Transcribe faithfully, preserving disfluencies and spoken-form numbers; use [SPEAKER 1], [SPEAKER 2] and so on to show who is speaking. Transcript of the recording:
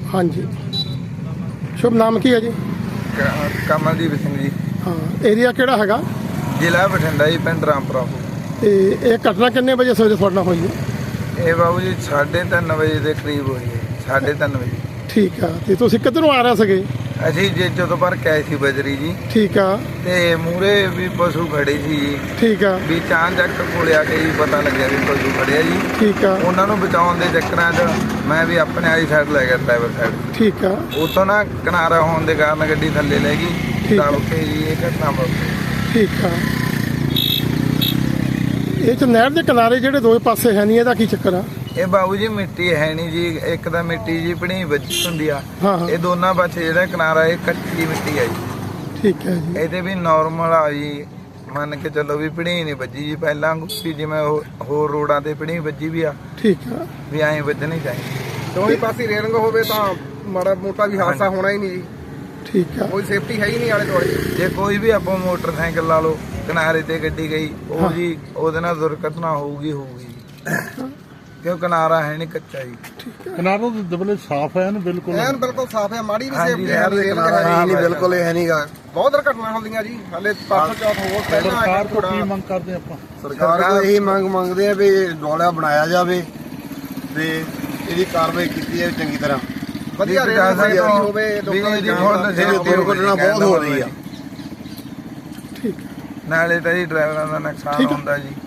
[SPEAKER 1] हाँ जी, शुभ नाम की है जी?
[SPEAKER 2] कमलदीप सिंह जी।
[SPEAKER 1] हाँ, एरिया केड़ा हैगा?
[SPEAKER 2] जिला बठिंडा जी, पिंड रामपुरा।
[SPEAKER 1] ते ये घटना कितने बजे सवेरे थोड़े नाल होई है?
[SPEAKER 2] ये बाबू जी साढ़े तीन बजे के करीब हुई है, साढ़े तीन बजे।
[SPEAKER 1] ठीक है, ते तुसीं किधरों आ रहे सगे?
[SPEAKER 2] असी जेजो तो भर के आए सी बजरी जी।
[SPEAKER 1] ठीक है।
[SPEAKER 2] ते मूहरे भी पशु खड़े सी जी।
[SPEAKER 1] ठीक है।
[SPEAKER 2] भी चांचक कोले आके ही पता लग्या भी पशु खड़े जी।
[SPEAKER 1] ठीक है।
[SPEAKER 2] उन्होंने बचाउण दे चक्करां च मैं भी अपने वाली साइड लै गया, ड्राइवर साइड।
[SPEAKER 1] ठीक है।
[SPEAKER 2] उतों ना किनारा होने के कारण गड्डी थल्ले लै गई, दब के जी ये घटना वापरी।
[SPEAKER 1] ठीक है। ये च नहर के किनारे ਜਿਹੜੇ ਦੋਵੇਂ ਪਾਸੇ ਹੈ ਨਹੀਂ, ਇਹਦਾ ਕੀ ਚੱਕਰ ਆ?
[SPEAKER 2] ਇਹ ਬਾਬੂ ਜੀ ਮਿੱਟੀ ਹੈ ਨਹੀਂ ਜੀ, ਇੱਕ ਤਾਂ ਮਿੱਟੀ ਜੀ ਪਣੀ ਵੱਜੀ ਹੁੰਦੀ ਆ।
[SPEAKER 1] ਹਾਂ ਹਾਂ।
[SPEAKER 2] ਇਹ ਦੋਨਾਂ ਪਾਸੇ ਜਿਹੜਾ ਕਿਨਾਰਾ ਇਹ ਕੱਚੀ ਮਿੱਟੀ ਆ ਜੀ।
[SPEAKER 1] ਠੀਕ ਹੈ ਜੀ।
[SPEAKER 2] ਇਹਦੇ ਵੀ ਨਾਰਮਲ ਆ ਜੀ, ਮੰਨ ਕੇ ਚੱਲੋ ਵੀ ਪਣੀ ਨਹੀਂ ਵੱਜੀ ਜੀ ਪਹਿਲਾਂ ਵੀ ਜਿਵੇਂ ਹੋਰ ਰੋਡਾਂ ਤੇ ਪਣੀ ਵੱਜੀ ਵੀ ਆ।
[SPEAKER 1] ਠੀਕ ਆ
[SPEAKER 2] ਵੀ ਐਂ ਵੱਜਣੀ ਚਾਹੀਦੀ।
[SPEAKER 3] ਦੋਵੇਂ ਪਾਸੇ ਰੇਲਿੰਗ ਹੋਵੇ ਤਾਂ ਮਾੜਾ ਮੋਟਾ ਵੀ ਹਾਦਸਾ ਹੋਣਾ ਹੀ ਨਹੀਂ ਜੀ।
[SPEAKER 1] ਠੀਕ ਆ।
[SPEAKER 3] ਕੋਈ ਸੇਫਟੀ ਹੈ ਹੀ ਨਹੀਂ ਆਲੇ ਦੁਆਲੇ।
[SPEAKER 2] ਜੇ ਕੋਈ ਵੀ ਆਪਾਂ ਮੋਟਰਸਾਈਕਲ ਲਾ ਲਓ ਕਿਨਾਰੇ ਤੇ ਗੱਡੀ ਗਈ, ਉਹ ਜੀ ਉਹਦੇ ਨਾਲ ਦੁਰਘਟਨਾ ਹੋਊਗੀ ਹੋਊਗੀ ਕਿਉਂ ਕਿਨਾਰਾ ਹੈ ਨਹੀਂ, ਕੱਚਾ ਜੀ।
[SPEAKER 4] ਕਿਨਾਰਾ ਤਾਂ ਦਬਲੇ ਸਾਫ਼ ਹੈ ਨਾ, ਬਿਲਕੁਲ
[SPEAKER 3] ਐਨ ਬਿਲਕੁਲ ਸਾਫ਼ ਹੈ, ਮਾੜੀ ਵੀ
[SPEAKER 2] ਹਾਂਜੀ,
[SPEAKER 3] ਸੇਫਟੀ
[SPEAKER 2] ਨਹਿਰ ਦੇ ਕਿਨਾਰੇ
[SPEAKER 3] ਹੈ
[SPEAKER 2] ਨਹੀਂ, ਬਿਲਕੁਲ
[SPEAKER 3] ਇਹ ਨਹੀਂਗਾ। ਬਹੁਤ ਦੁਰਘਟਨਾ ਹੁੰਦੀਆਂ ਜੀ, ਹਲੇ ਪਰਸੋਂ ਚੌਥ ਹੋਰ ਪਹਿਲਾਂ
[SPEAKER 4] ਸਰਕਾਰ ਤੋਂ ਕੀ ਮੰਗ ਕਰਦੇ ਆਪਾਂ?
[SPEAKER 5] ਸਰਕਾਰ ਤੋਂ ਇਹੀ ਮੰਗ ਮੰਗਦੇ ਆ ਵੀ ਡੋਲਾ ਬਣਾਇਆ ਜਾਵੇ ਤੇ ਇਹਦੀ ਕਾਰਵਾਈ ਕੀਤੀ ਜਾਵੇ ਚੰਗੀ ਤਰ੍ਹਾਂ।
[SPEAKER 3] ਵਧੀਆ ਰੇਲ ਹੋਵੇ, ਲੋਕਾਂ ਦੀ
[SPEAKER 5] ਦੁਰਘਟਨਾ ਬਹੁਤ ਹੋ ਰਹੀ ਆ।
[SPEAKER 1] ਠੀਕ
[SPEAKER 2] ਨਾਲੇ ਤਾਂ ਜੀ ਡਰਾਈਵਰਾਂ ਦਾ ਨੁਕਸਾਨ ਹੁੰਦਾ ਜੀ।